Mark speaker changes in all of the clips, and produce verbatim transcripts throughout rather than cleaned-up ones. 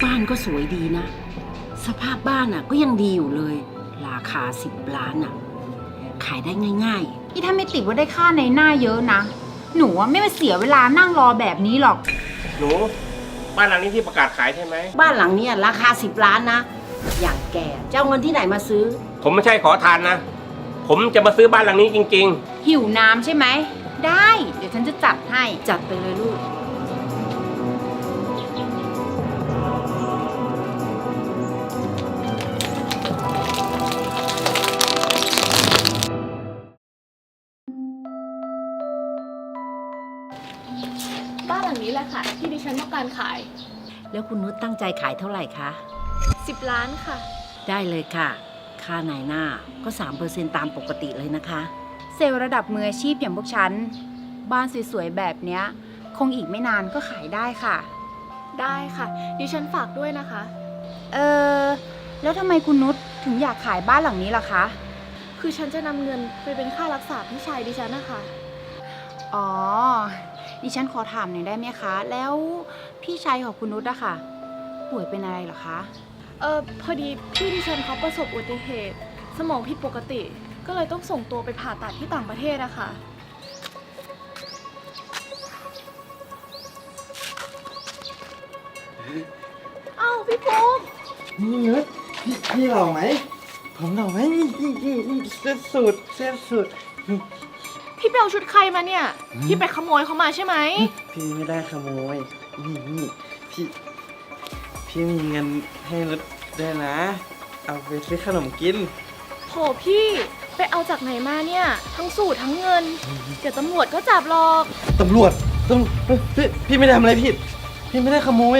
Speaker 1: บ้านก็สวยดีนะ สภาพบ้านอ่ะก็ยังดีอยู่เลย ราคาสิบล้านอ่ะขายได้ง่ายๆ
Speaker 2: นี่ถ้าไม่ติดว่าได้ค่าในหน้าเยอะนะหนูว่าไม่มาเสียเวลานั่งรอแบบนี้หรอก
Speaker 3: หนูบ้านหลังนี้ที่ประกาศขายใช่ไหม
Speaker 1: บ้านหลังนี้ราคาสิบล้านนะอย่างแกจะเอาเงินที่ไหนมาซื้อ
Speaker 3: ผมไม่ใช่ขอทานนะผมจะมาซื้อบ้านหลังนี้จริง
Speaker 2: ๆหิวน้ำใช่ไหมได้เดี๋ยวฉันจะจัดให้
Speaker 1: จัดไปเลยลูก
Speaker 4: บ้านหลังนี้แหละค่ะที่ดิฉันต้องการขาย
Speaker 1: แล้วคุณนุชตั้งใจขายเท่าไหร่คะ
Speaker 4: สิบล้านค่ะ
Speaker 1: ได้เลยค่ะค่านายหน้าก็ สามเปอร์เซ็นต์ ตามปกติเลยนะคะ
Speaker 2: เซลล์ระดับมืออาชีพอย่างพวกฉันบ้านสวยๆแบบเนี้ยคงอีกไม่นานก็ขายได้ค่ะ
Speaker 4: ได้ค่ะดิฉันฝากด้วยนะคะ
Speaker 2: เออแล้วทำไมคุณนุชถึงอยากขายบ้านหลังนี้ล่ะคะ
Speaker 4: คือฉันจะนำเงินไปเป็นค่ารักษาพี่ชายดิฉันนะคะ
Speaker 2: อ๋อดิฉันขอถามหน่อยได้ไหมคะแล้วพี่ชายของคุณนุชอะค่ะป่วยเป็นอะไรเหรอคะ
Speaker 4: เออพอดีพี่ดิฉันเขาประสบอุบัติเหตุสมองผิดปกติก็เลยต้องส่งตัวไปผ่าตัดที่ต่างประเทศอะค่ะอ้าวพี่ปุ๊ก
Speaker 5: นี่นุชพี่พี่หล่อไหมผมหล่อไหมนี่นี่นี่นี่เสื้อสูทเสื้อสูท
Speaker 4: พี่ไปเอาชุดใครมาเนี่ยพี่ไปขโมยเขามาใช่ไหม
Speaker 5: พี่ไม่ได้ขโมยนี่นี่พี่พี่มีเงินให้นุชด้วยนะเอาไปซื้อขนมกิน
Speaker 4: โหพี่ไปเอาจากไหนมาเนี่ยทั้งสูตรทั้งเงินเดี๋ยวตำรวจก็จับหรอก
Speaker 5: ตำรวจตำพี่พี่ไม่ได้ทำอะไรผิดพี่ไม่ได้ขโมย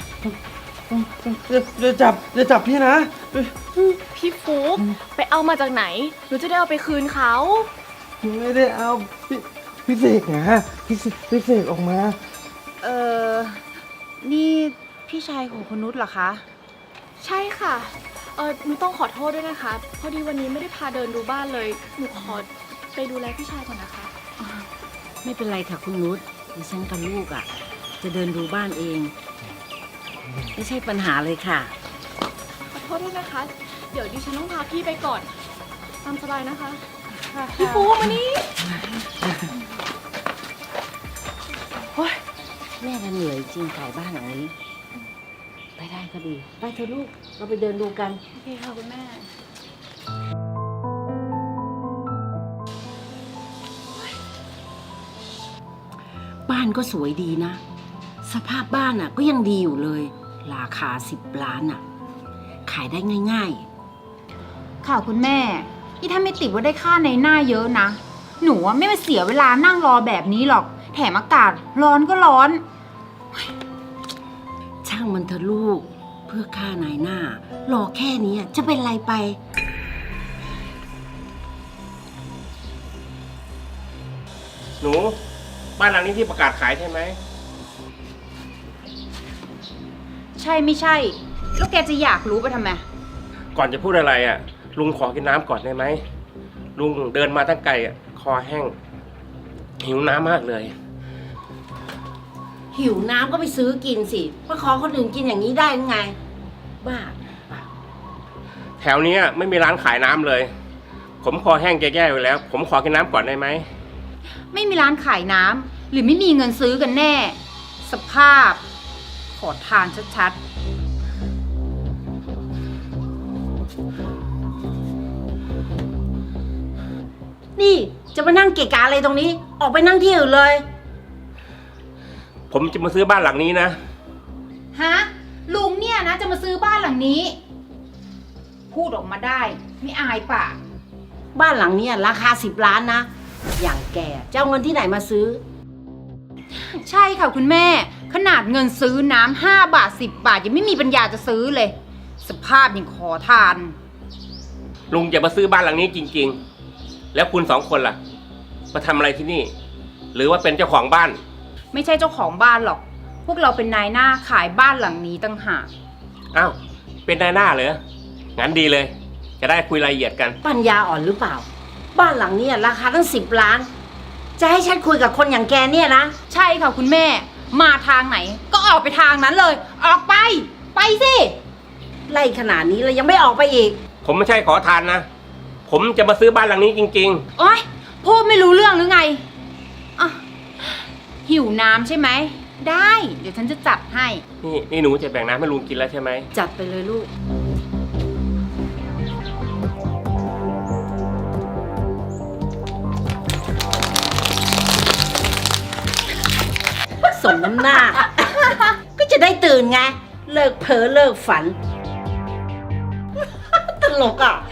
Speaker 5: จะจับจะจับพี่นะ
Speaker 4: พี่ฟุ๊กไปเอามาจากไหนหนูจะได้เอาไปคืนเขา
Speaker 5: ไม่ได้เอาพี่พี่เสกนะพี่พี่เสกออกมา
Speaker 2: เออนี่พี่ชายของคุณนุชเหรอคะ
Speaker 4: ใช่ค่ะเออหนูต้องขอโทษด้วยนะคะพอดีวันนี้ไม่ได้พาเดินดูบ้านเลยหนูขอไปดูแลพี่ชายก่อนนะคะ
Speaker 1: ไม่เป็นไรค่ะคุณนุชดิฉันกับลูกอ่ะจะเดินดูบ้านเองไม่ใช่ปัญหาเลยค่ะ
Speaker 4: ขอโทษด้วยนะคะเดี๋ยวดิฉันต้องพาพี่ไปก่อนตามสบายนะคะพี่ปูมานี่
Speaker 1: โอ๊ยแม่ก็เหนื่อยจริงขายบ้านหลังนี้ไปได้ก็ดีไปเถอะลูกเราไปเดินดูกัน
Speaker 4: โอเคค่ะคุณแม่
Speaker 1: บ้านก็สวยดีนะสภาพบ้านอ่ะก็ยังดีอยู่เลยราคาสิบล้านอ่ะขายได้ง่าย
Speaker 2: ๆค่ะคุณแม่ที่ถ้าไม่ติดว่าได้ค่าในหน้าเยอะนะหนูว่าไม่มาเสียเวลานั่งรอแบบนี้หรอกแถมอากาศร้อนก็ร้อน
Speaker 1: ช่างมันเถอะลูกเพื่อค่านายหน้ารอแค่นี้จะเป็นไรไป
Speaker 3: หนูบ้านหลังนี้ที่ประกาศขายใช่ไหม
Speaker 2: ใช่ไม่ใช่แล้วแกจะอยากรู้ไปทำไม
Speaker 3: ก่อนจะพูดอะไรอ่ะลุงขอกินน้ำก่อนได้ไหมลุงเดินมาตั้งไกลอ่ะคอแห้งหิวน้ำมากเลย
Speaker 1: หิวน้ำก็ไปซื้อกินสิมาขอคนอื่นกินอย่างนี้ได้ยังไงบ้า
Speaker 3: แถวนี้ไม่มีร้านขายน้ำเลยผมคอแห้งแย่ๆอยู่แล้วผมขอกินน้ำก่อนได้ไหม
Speaker 2: ไม่มีร้านขายน้ำหรือไม่มีเงินซื้อกันแน่สภาพขอทานชัดๆ
Speaker 1: นี่จะมานั่งเกะกะอะไรตรงนี้ออกไปนั่งที่อื่นเลย
Speaker 3: ผมจะมาซื้อบ้านหลังนี้นะ
Speaker 2: ฮะลุงเนี่ยนะจะมาซื้อบ้านหลังนี้พูดออกมาได้ไม่อายปะ
Speaker 1: บ้านหลังนี้ราคาสิบล้านนะอย่างแกจะเอาเงินที่ไหนมาซื้อ
Speaker 2: ใช่ค่ะคุณแม่ขนาดเงินซื้อน้ำห้าบาทสิบบาทยังไม่มีปัญญาจะซื้อเลยสภาพยังขอทาน
Speaker 3: ลุงจะมาซื้อบ้านหลังนี้จริงๆแล้วคุณสองคนล่ะมาทำอะไรที่นี่หรือว่าเป็นเจ้าของบ้าน
Speaker 2: ไม่ใช่เจ้าของบ้านหรอกพวกเราเป็นนายหน้าขายบ้านหลังนี้ตั้งหาก
Speaker 3: อ้าวเป็นนายหน้าเหรองั้นดีเลยจะได้คุยรายละเอียดกัน
Speaker 1: ปัญญาอ่อนหรือเปล่าบ้านหลังนี้ราคาตั้งสิบล้านจะให้ฉันคุยกับคนอย่างแกเนี่ยนะ
Speaker 2: ใช่ค่ะคุณแม่มาทางไหนก็ออกไปทางนั้นเลยออกไปไปสิ
Speaker 1: ไล่ขนาดนี้แล้วยังไม่ออกไปอีก
Speaker 3: ผมไม่ใช่ขอทานนะ ผมจะมาซื้อบ้านหลังนี้จริง
Speaker 2: โอ๊ยพูดไม่รู้เรื่องหรือไงอ่ะหิวน้ำใช่ไหม ได้ เดี๋ยวฉันจะจัดให้
Speaker 3: ๆ นี่นี่หนูจะแบ่งน้ำให้ลุงกินแล้วใช่ไหม
Speaker 1: จัดไปเลยลูก สมน้ำหน้า ก็จะได้ตื่นไง เลิกเพ้อเลิกฝัน ตลกอ่ะ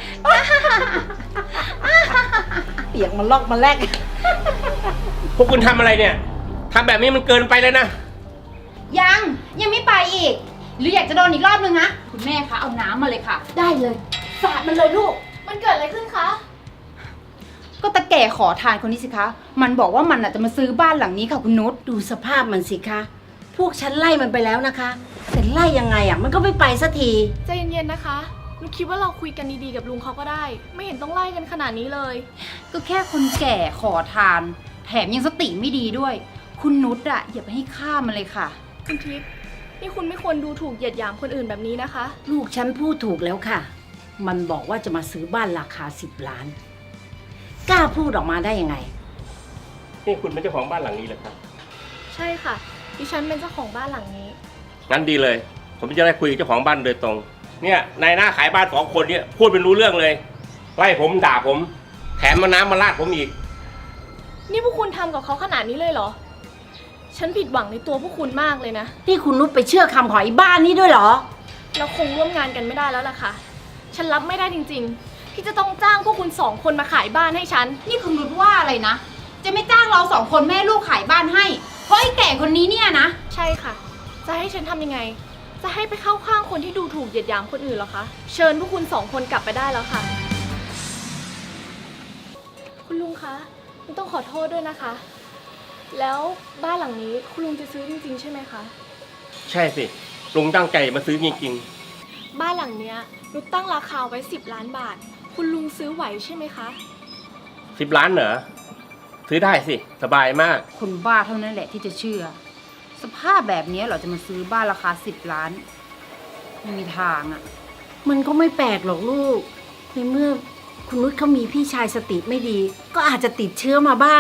Speaker 1: เปียกมันลอกมาแลก
Speaker 3: พวกคุณทำอะไรเนี่ยทำแบบนี้มันเกินไปแล้วนะ
Speaker 2: ยัง ยังไม่ไปอีก หรืออยากจะโดนอีกรอบนึงนะ คุณแม่คะเอาน้ำมาเลยค่ะ
Speaker 1: ได้เลยสาดมันเลยลูก
Speaker 4: มันเกิดอะไรขึ้นคะ
Speaker 2: ก็ตะแก่ขอทานคนนี้สิคะ มันบอกว่ามันอาจจะมาซื้อบ้านหลังนี้ค่ะคุณนุช
Speaker 1: ดูสภาพมันสิคะ พวกฉันไล่มันไปแล้วนะคะ แต่ไล่ยังไงอ่ะ มันก็ไม่ไปสักที
Speaker 4: ใจเย็นๆนะคะหนูคิดว่าเราคุยกันดีๆกับลุงเขาก็ได้ ไม่เห็นต้องไล่กันขนาดนี้เลย
Speaker 2: ก็แค่คนแก่ขอทาน แถมยังสติไม่ดีด้วย คุณนุชอะอย่าไปให้ค่ามันเลยค่ะ
Speaker 4: คุณทิพย์นี่คุณไม่ควรดูถูกเหยียดหยามคนอื่นแบบนี้นะคะ
Speaker 1: ลูกฉันพูดถูกแล้วค่ะ มันบอกว่าจะมาซื้อบ้านราคาสิบล้าน กล้าพูดออกมาได้ยังไง
Speaker 3: นี่คุณเป็นเจ้าของบ้านหลังนี้เหรอครับ
Speaker 4: ใช่ค่ะ ดิฉันเป็นเจ้าของบ้านหลังนี้
Speaker 3: งั้นดีเลย ผมจะได้คุยกับเจ้าของบ้านโดยตรง เนี่ยนายหน้าขายบ้านสองคนเนี่ยพูดเป็นรู้เรื่องเลย ไล่ผมด่าผม แถมมาน้ำมาราดผมอีก
Speaker 4: นี่พวกคุณทำกับเขาขนาดนี้เลยเหรอ ฉันผิดหวังในตัวพวกคุณมากเลยนะ
Speaker 1: ที่คุณนุชไปเชื่อคำของไอ้บ้านนี้ด้วยเหรอ
Speaker 4: เราคงร่วมงานกันไม่ได้แล้วล่ะค่ะ ฉันรับไม่ได้จริงๆ ที่จะต้องจ้างพวกคุณสองคนมาขายบ้านให้ฉัน
Speaker 2: นี่คุณนุชว่าอะไรนะ จะไม่จ้างเราสองคนแม่ลูกขายบ้านให้ เพราะไอ้แก่คนนี้เนี่ยนะ
Speaker 4: ใช่ค่ะ จะให้ฉันทำยังไง จะให้ไปเข้าข้างคนที่ดูถูกเหยียดหยามคนอื่นเหรอคะ เชิญพวกคุณสองคนกลับไปได้แล้วค่ะ คุณลุงคะลุงต้องขอโทษด้วยนะคะ แล้วบ้านหลังนี้คุณลุงจะซื้อจริงๆใช่ไหมคะ
Speaker 3: ใช่สิ ลุงตั้งใจมาซื้อจริง
Speaker 4: บ้านหลังเนี้ยนุกตั้งราคาไว้สิบล้านบาท คุณลุงซื้อไหวใช่ไหมคะ
Speaker 3: ๆสิบล้านเหรอ ซื้อได้สิ สบายมาก
Speaker 2: คนบ้าเท่านั้นแหละที่จะเชื่อ สภาพแบบนี้เหราจะมาซื้อบ้านราคาสิบล้านไม่มีทางอะ
Speaker 1: มันก็ไม่แปลกหรอกลูก ในเมื่อคุณนุชเขามีพี่ชายสติไม่ดี ก็อาจจะติดเชื้อมาบ้าง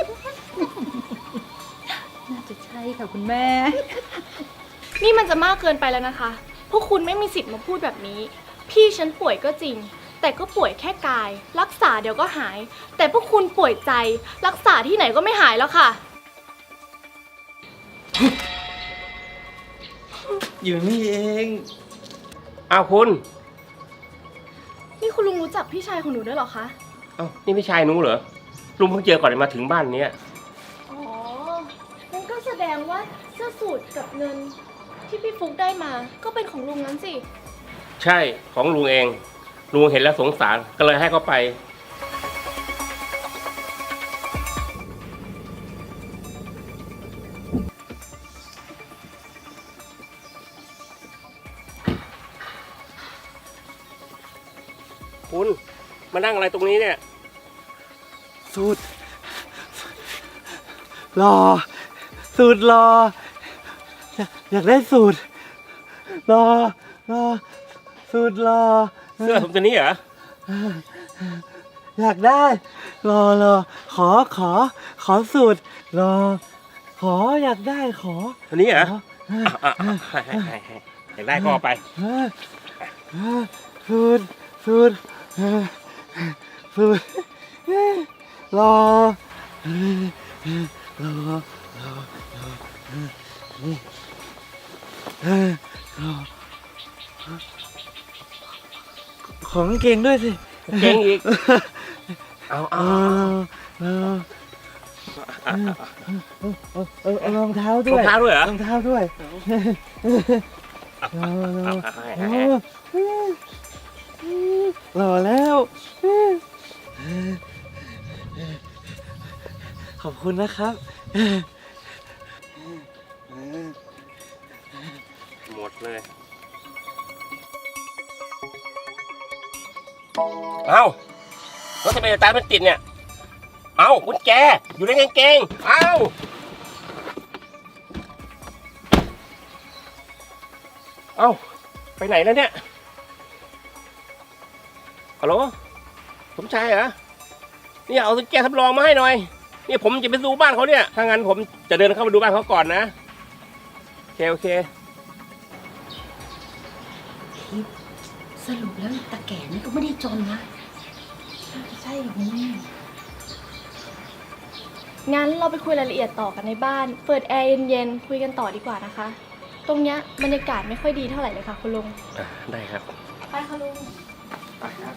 Speaker 2: น่าจะใช่ค่ะคุณแม่
Speaker 4: นี่มันจะมากเกินไปแล้วนะคะ พวกคุณไม่มีสิทธิ์มาพูดแบบนี้ พี่ฉันป่วยก็จริง แต่ก็ป่วยแค่กาย รักษาเดี๋ยวก็หาย แต่พวกคุณป่วยใจ รักษาที่ไหนก็ไม่หายแล้วค่ะ
Speaker 5: อยู่นี่เอง
Speaker 3: อ้าวคุณ
Speaker 4: นี่คุณลุงรู้จักพี่ชายของหนูด้วยเหรอคะ
Speaker 3: อ้าวนี่พี่ชายหนูเหรอ ลุงเพิ่งเจอก่อนมาถึงบ้านเนี้ย
Speaker 4: อ๋องั้นก็แสดงว่าเสื้อสูทกับเงินที่พี่ฟุกได้มา ก็เป็นของลุงนั้นสิ
Speaker 3: ใช่ ของลุงเอง ลุงเห็นแล้วสงสาร ก็เลยให้เขาไป คุณ มานั่งอะไรตรงนี้เนี่ย
Speaker 5: สูตรรอ สูตรรอ อยากอยากได้สูตร รอ รอ สูตรรอ
Speaker 3: เสื้อผมตัวนี้เหรอ
Speaker 5: อยากได้ รอรอ ขอขอ ขอสูตร รอ ขออยากได้ขอ
Speaker 3: ตัวนี้เหรอ
Speaker 5: ขอ
Speaker 3: อ่ะอ่ะอ่ะให้ให้ให้ให้อยากได้ก็เอาไป
Speaker 5: เออเออสูตรสูตรเออสูตรเออรอเออเออรอรอรอเออนี่เออรอของกางเก่งด้วยสิ
Speaker 3: เก่งอีก เอาเอา
Speaker 5: เออเออเออเออเอารองเท้าร ด้
Speaker 3: อ
Speaker 5: ว
Speaker 3: ง
Speaker 5: ย
Speaker 3: เท้าด้วยเหรอ
Speaker 5: รองเท้าด้วยรอรอ
Speaker 3: เอาให้
Speaker 5: โอ้
Speaker 3: ให้
Speaker 5: หล่อแล้ว ขอบคุณนะครับ
Speaker 3: หมดเลย เอ้ารถทะเบียนตามมันติดเนี่ย เอ้ากุญแจอยู่ในกางเกง เอ้า เอ้าไปไหนแล้วเนี่ยฮัลโหลสมชายเหรอเนี่ยเอาแก้วทำรองมาให้หน่อยเนี่ยผมจะไปดูบ้านเขาเนี่ยถ้างั้นผมจะเดินเข้าไปดูบ้านเขาก่อนนะโอเคโอเค
Speaker 1: ทิพย์สรุปแล้วตาแก่นี่ก็ไม่ได้จนนะ
Speaker 4: ใช่หรอคุณแม่งั้นเราไปคุยรายละเอียดต่อกันในบ้าน เปิดแอร์เย็นๆคุยกันต่อดีกว่านะคะ ตรงเนี้ยบรรยากาศไม่ค่อยดีเท่าไหร่เลยค่ะคุณลุง
Speaker 3: อ่ะได้ครับ
Speaker 4: ไปค่ะลุง
Speaker 3: ไปครับ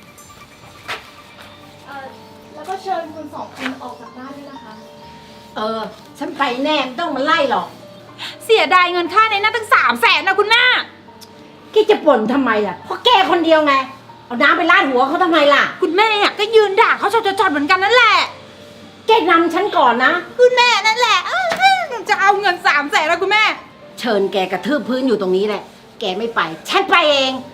Speaker 4: เอ่อแล้วก็เชิญคุณสองคนออกจากบ้านด้วยนะคะ
Speaker 1: เออ ฉันไปแน่ไม่ต้องมาไล่หรอก
Speaker 2: เสียดายเงินค่าในหน้าตั้งสามแสนนะคุณแม่
Speaker 1: แกจะบ่นทำไมล่ะ เพราะแกคนเดียวไง เอาน้ำไปราดหัวเขาทำไมล่ะ
Speaker 2: คุณแม่อะก็ยืนด่าเขาจอดๆเหมือนกันนั่นแหละ
Speaker 1: แกนำฉันก่อนนะ
Speaker 2: คุณแม่นั่นแหละเอ้ยจะเอาเงินสามแสนแล้วคุณแม่
Speaker 1: เชิญแกกระทืบพื้นอยู่ตรงนี้แหละ แกไม่ไป ฉันไปเอง
Speaker 2: โ